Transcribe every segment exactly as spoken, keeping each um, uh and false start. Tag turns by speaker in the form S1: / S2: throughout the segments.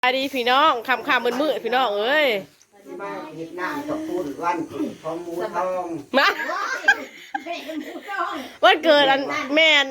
S1: สวัสดีพี่น้องคำคำมืดมืดพี่น้องเอ้ย
S2: ที่มาเห็ดน้ำกับปูนวันของหมูทอง
S1: มาวันเกิดอันแมน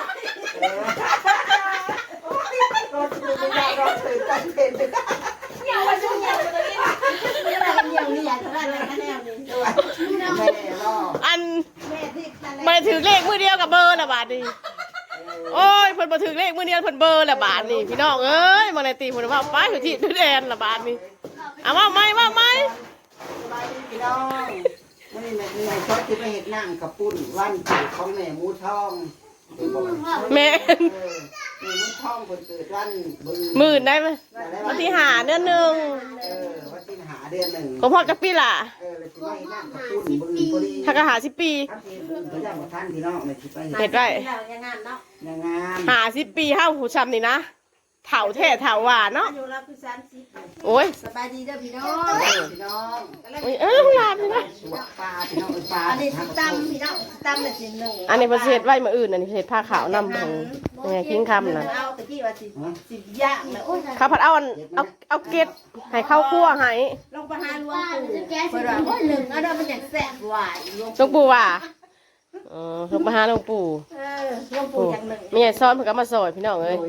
S2: รถคือไม่ได้รถคือตั้งเต็มเลย
S3: เหี่ยววันช่วงเหี่ยวตัวนี้นี่อะไรเหี่ยวนี่อยากทำอะไรกันแนวนี้
S2: แม่รอ
S1: อันมาถือเลขมือเดียวกับเบอร์ละบาทนี่โอ้ยเพิ่นมาถือเลขมือเดียวเพิ่นเบอร์ละบาทนี่พี่น้องเอ้ยมาในตีเพิ่นว่าไปอยู่ที่ดูแดนละบาทนี่เอาว่าไหมว่าไหม
S2: สบายดีพี่น้องวันนี้ในชอบที่ไปเห็ดน้ำกับปูนวันเกิดของแม่หมูทอง
S1: แม่
S2: หมูทองคนเกิดวัน
S1: หมื่นได้ไหมวันที่หาเดือนหนึ่ง
S2: เออวันที่หาเดือนหนึ่ง
S1: ผมพอจะปีละ
S2: เออเลยที่ไปน้ำกับปูนบึงพอดี
S1: ถ้ากระหาสิบปี
S2: ตัวอย่างของท่านพี่น้องในที่ไป
S1: เห็ดได้
S2: ยังงาม
S1: หาสิบปีห้าหูช้ำนี่นะเถาแท้เถาหวานเนาะโอ้ย
S3: สบายดีเด้อพี่น้อง
S2: พี่น้อง
S1: เอ้ยลูกหลานพี่น้อง
S2: ปลาพี่น้องปลา
S3: อันนี้ตำพี่น้องตำแบบสิหนึ่ง
S1: อันนี้ประเทศไว้มาอื่นอันนี้ประเทศผ้าขาวนำของยังไงทิ้งคำนะ
S3: เอาตะกี้ว่าสิสิย่างเลยโอ้ย
S1: ข้าวผัดเอาเอาเอาเกล็ดให้ข้าวคั่วให้
S3: ลงไปหาลวงปู่เปิดว่าโอ้ยหนึ่งเอาเด้อมันอย่างแซ่บหวาน
S1: หลวงปู่ว่าอ๋อลงไปหาหลวงปู่
S3: เออหลวงปู่อย่างหนึ่ง
S1: มีไอ้ซ้อนเพิ่นก็มาซอยพี่น้องเอ้ย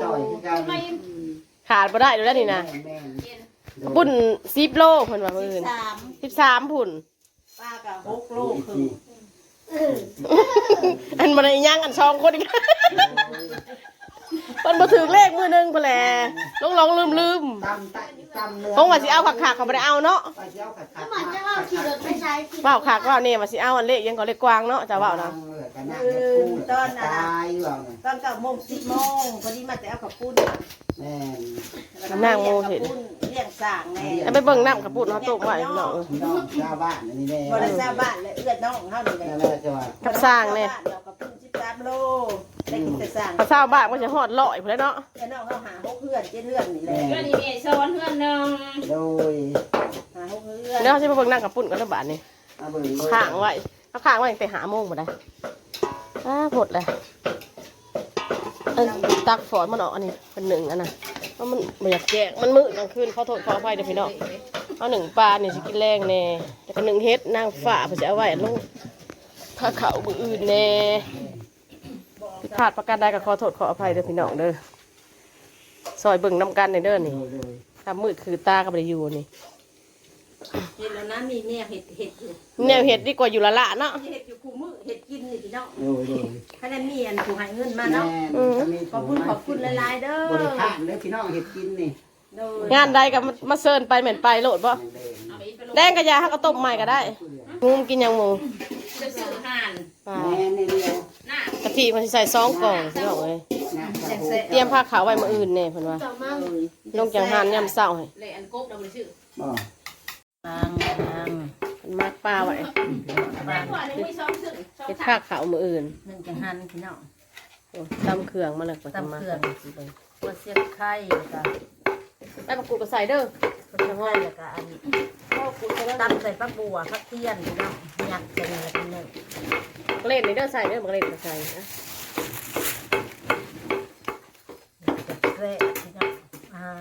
S1: ขาดบ่ได้ดูแล้วนี่นะปุ่นสิบโลเพิ่นว่ามื้ออื่นสิบสามพุ่น
S3: ป้าก็หกโลคือ
S1: อันบ่ได้ย่างอันสองคนอีกเพิ่นบ่ถึงเลขมื้อนึงพุ่นแหละลงๆลืมๆคงว่าสิเอาคักๆเขาบ่ได้เอาเนาะ
S3: มันจะเอาขี่รถไปใช้
S1: ว้าวคักว่านี่ว่าสิเอาอันเลขยังก็เลขกวางเนาะจะเว้านะ
S3: ตอนน่ะตอนเก้าโมงสิบโมงพอดีมาแต่เอากับปุ้น
S2: แม่
S1: นั่งโมเห็น
S3: เลี้ยงสร้างแน่
S1: ไปเบิ่งน้ำกับปุ้นเฮาตกไว้เนาะ
S2: น้องชาวบ้านนี่แน่
S3: บ่ได้ชาวบ้านเลยเอื้อน้องเฮานี่แหละ
S1: กับสร้างแน่
S3: กับปุ้นสิบสามโลได้กินแต่สร้าง
S1: พอชาวบ้านมันจะฮอดร้อยพุ่นแล้วเนาะ
S3: เอื้อน้องเฮาหาหกเพื่อนเจ็ดเพื่อนนี่แหละ
S4: เพื่อนนี่มีซ้อนเพื่อนนึง
S2: โดย
S3: หาหกเพื่อน
S1: เดี๋ยวสิไปเบิ่งน้ำกับปุ้นกันแล้วบาดนี้ข้างไว้เอาข้างไว้ตั้งแต่หาโมงบ่ได้อ้าหมดเลยตักฝอนมันออกอันนี้เป็นหนึ่งอันน่ะเพราะมันไม่อยากแจกมันมืดกลางคืนขอโทษขออภัยเดี๋ยวพี่น้องเอาหนึ่งปลาเนี่ยจะกินแรงแน่แต่ก็หนึ่งเฮ็ดนางฝ่าเพื่อจะเอาไว้ลงถ้าเขามืออื่นแน่ผิดพลาดประการใดก็ขอโทษขออภัยเดี๋ยวพี่น้องเด้อซอยเบิ่งน้ำกันในเด้อนี่ถ้ามืดคือตาก็ไม่ได้อยู่นี่
S3: เห็ดแล้วนะมีแนวเห็ดเห็ดอยู่
S1: แนวเห็ดดีกว่าอยู่ละละเนาะ
S3: เห็ดอยู่คู่มือเห็ดกินนี่พี่น้องถ้าได้มีอันผู้ให้เงินมาเนาะขอบคุณขอบคุณหลายๆเด้อบ
S2: ริการเลยพี่น้องเห็ดกินนี่
S1: งานใดก็มาเซิร์นไปเหม็นไปโหลดป่ะแดงกระยาเขาก็ต้มใหม่ก็ได้งูกินยังหมู
S4: จะซื้อห่าน
S1: กะทิมันใส่ซองกล่องพี่น้องเลยเตรียมผ้าขาวไว้มาอื่นเนี่ยเพิ่นว่าลงจังหันยำเศร้าให้
S4: เลยอันกบเราไม่ชื่อ
S3: นางนาง
S1: มันมากปลาไว้เฮ็ดผ้าขาวมาอื่น
S3: หนึ่งจังหันพี่น้อง
S1: ตำเครื่องมาเลยกว่าจะมา
S3: ตัวเสียบไข่กับ
S1: ได้ปลากูก็ใส่เด้อ
S3: ตัวเสียบไข่แล้วก็อันตำใส่ปลาบัวผักเทียนพี่น้องหยักใส่อะไรกันเนี่ย
S1: เล่นในเด้อใส่เด้อมาเล่นก็ใส่นะ
S3: เละพี่น้องอ่า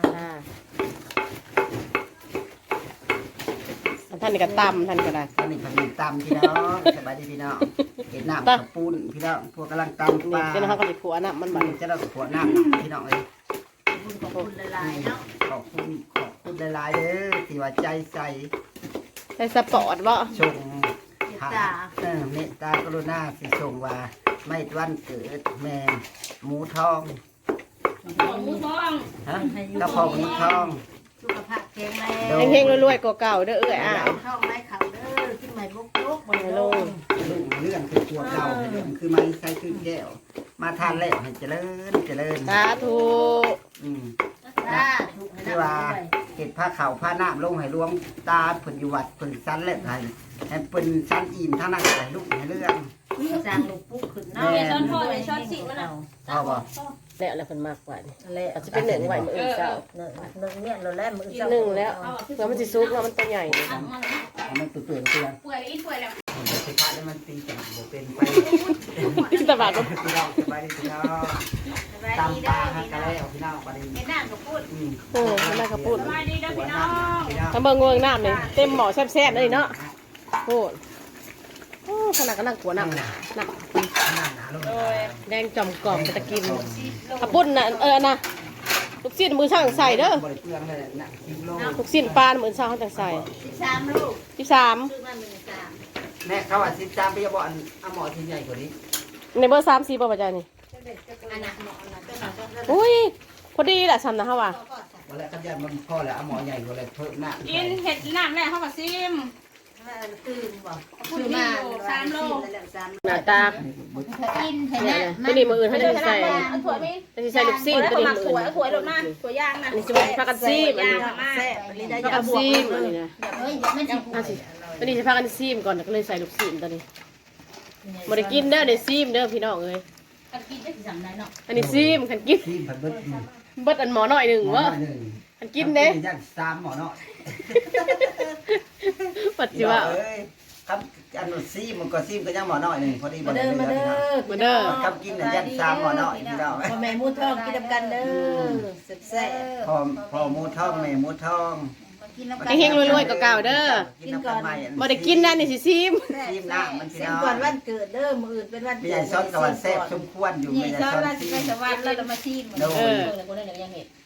S1: ท่านนี่ก็ตำท่านก็ได้
S2: ท่านนี่ก็มีตำพี่น้องสบายดีพี่น้องเห็ดน้ำกับปูนพี่น้องพวกกำลังตำปลา
S1: เจ้าเขาก็จะขัวน้ำมันบัด
S2: จะเราขัวน้ำพี่น้องเลย
S3: ขอบคุณหลายๆเนาะ
S2: ขอบคุณขอบคุณหลายๆเด้อที่ว่าใจใส่
S1: ใส่สปอร์ตบ่
S2: ชงเออเมตตากรุณาสิชงว่าไม่วันเกิดแม่หมูทอง
S4: หมูทอง
S2: ฮะกระเพาะหมูทอง
S3: สุขภาพแข็งแรง
S1: เฮงๆรวยๆกว่าเก่าเด้อเอ้ยอ่ะ
S3: ท้องไร้เขาเด้อขึ้นใหม่บุกลุกบนโลก
S2: เรื่องคือตัวเก่าเรื่องคือไม้ใช้ขึ้นแก้วมาทานแล้วให้เจริญเจริญ
S1: สาธุ
S2: อืมที่ว่าเห็ดผ้าขาวผ้าน้ำลงให้รวมตาผลอยู่วัดผลสันเล็บให้ให้เป็นสันอิ่มทั้งนั้นให้ลูกให้เรื่อง
S3: จางลูกปุ๊กขึ้น
S4: เนาะในช้อนพ่อในช้อนสิมันเอา
S2: พ่อบ่
S1: แล้วแล้วเพิ่นมากกว่า
S3: แล้ว
S1: จะเป็นหนึ่งไหวมืออื่นเจ้า
S3: หนึ่งเนี่ยเราแล้วมือ
S1: หนึ่งแล้วเพื่อมันจะซุกแล้วมันตัวใหญ่
S2: มันตัวเปลือยเปลือย
S4: เปื่อยอีเปื่อยแล้ว
S2: สุดท้ายแล้วมันตีจังเป็นไป
S1: ตะบาด
S2: พี่น้องสบายดีพี่น้อง
S3: สบาย
S2: ตามปลาฮะกะแล้วพี่น้องประเด็น
S3: เห็นหน้าก็พูด
S2: อืม
S1: เออแม่ก็พูด
S4: สบายดีเด้อพี่น้อง
S1: ถ้าเบิ่งเบิ่งน้ำนี่เต็มหม้อแซ่บๆเลยเนาะโอ้โอ้ขนาดก็นั่งขัวน้ำน่ะ
S2: หน้าหนาลง
S1: แดงจอมกรอบไปตะกินกระปุ้นน่ะเออนะลูกชิ้นมือช่างใส่เด้อบ
S2: ริเปลืองเลยนะกิโล
S1: ลูกชิ้นปลามือช่างเขาจังใส่
S3: สิบสามลูก
S1: ที่สาม
S3: ซื้อมาหนึ่งสาม
S2: แม่เขาว่าสิบสามปีบอกอันเอาหมอที่ใหญ่กว่านี้
S1: ในเบอร์สามสี่ป่ะป้าจ๊ะนี่
S3: อันนั้นหมออันนั้นเป็นหมอเป็น
S1: อุ้ยพอดีแหละฉันนะฮะว่ะ
S2: วันแรกเขาจะมันพ่อแล้วเอาหมอใหญ่กว่าเลยเพิ่มหน้า
S4: กินเห็ดน้ำแรกเข้ากับซิม
S3: ตื่นบ่
S4: ซื้อมาสามโล
S1: หน้าตา
S3: กินเห็น
S1: เนี่
S3: ไหม
S1: ยตัวนี้มืออื่นเขาจะใส่
S4: เอาถั่วมี
S1: จะใส่ลูกชิ้นตัวนี้มือ
S4: ถั่ว
S1: อื่น
S4: ถั่วลงมาถั่วย่างนะ
S1: อันนี้จะเป็นผักกันซีมอันนี้
S3: แซ่บอันนี้ได้
S1: ผัก
S3: ยา
S1: กัน
S3: บวก
S1: ซีมอันนี้นะ
S3: เฮ้ยไม่ใช่
S1: อ่ะสิตัวนี้จะผักกันซีมก่อนก็เลยใส่ลูกชิ้นตัวนี้บริกินเด้อเดี๋ยวซีมเด้อพี่น้องเลย
S4: กันกินได้สั่งได้เนาะ
S1: อันนี้ซีมขันกิน
S2: ที่ผัดเบิด
S1: เบิดอันหมอหน่อยหนึ่ง
S2: หมอ
S1: วะ
S2: หนึ่ง
S1: ขันกินเด้
S2: ย่างสามหมอเนาะ
S1: ปัจจุบัน
S2: เอ้ยครับอันซีมันก็ซีมก็ยังหมอน้อยหนึ่งพอดี
S3: มาเด้อมาเด้อ
S1: มาเด้อ
S2: ครับกินน่ะย่างสามหมอน้อยพี่น้อง
S3: พ่อแม่มูทองกินกันเด้อแซ่บ
S2: พอพอหมูทองแม่หมูทอง
S1: เฮงๆรวยๆเก่าๆเด้อ
S2: กินน้ำกันใหม่
S1: บ่ได้กินนั่นนี่สิซีม
S2: ซีมน้ำมันพี่
S3: เส้น
S2: น้อง
S3: ก่อนวันเกิดเด้อมื้ออื่นเป็นวัน
S2: ไม่ใช่ซ้อนกับวันแซ่บสมควรอยู่
S3: นี่
S2: ไม่ใช่
S3: ซ้อน
S2: ซ้อน
S3: วัน
S2: ซี
S3: ไป
S2: ม
S3: สวรรค์แล้วเรามาชิม
S2: โด
S1: เอย อ
S4: เลยคนนั้นยังเห็ด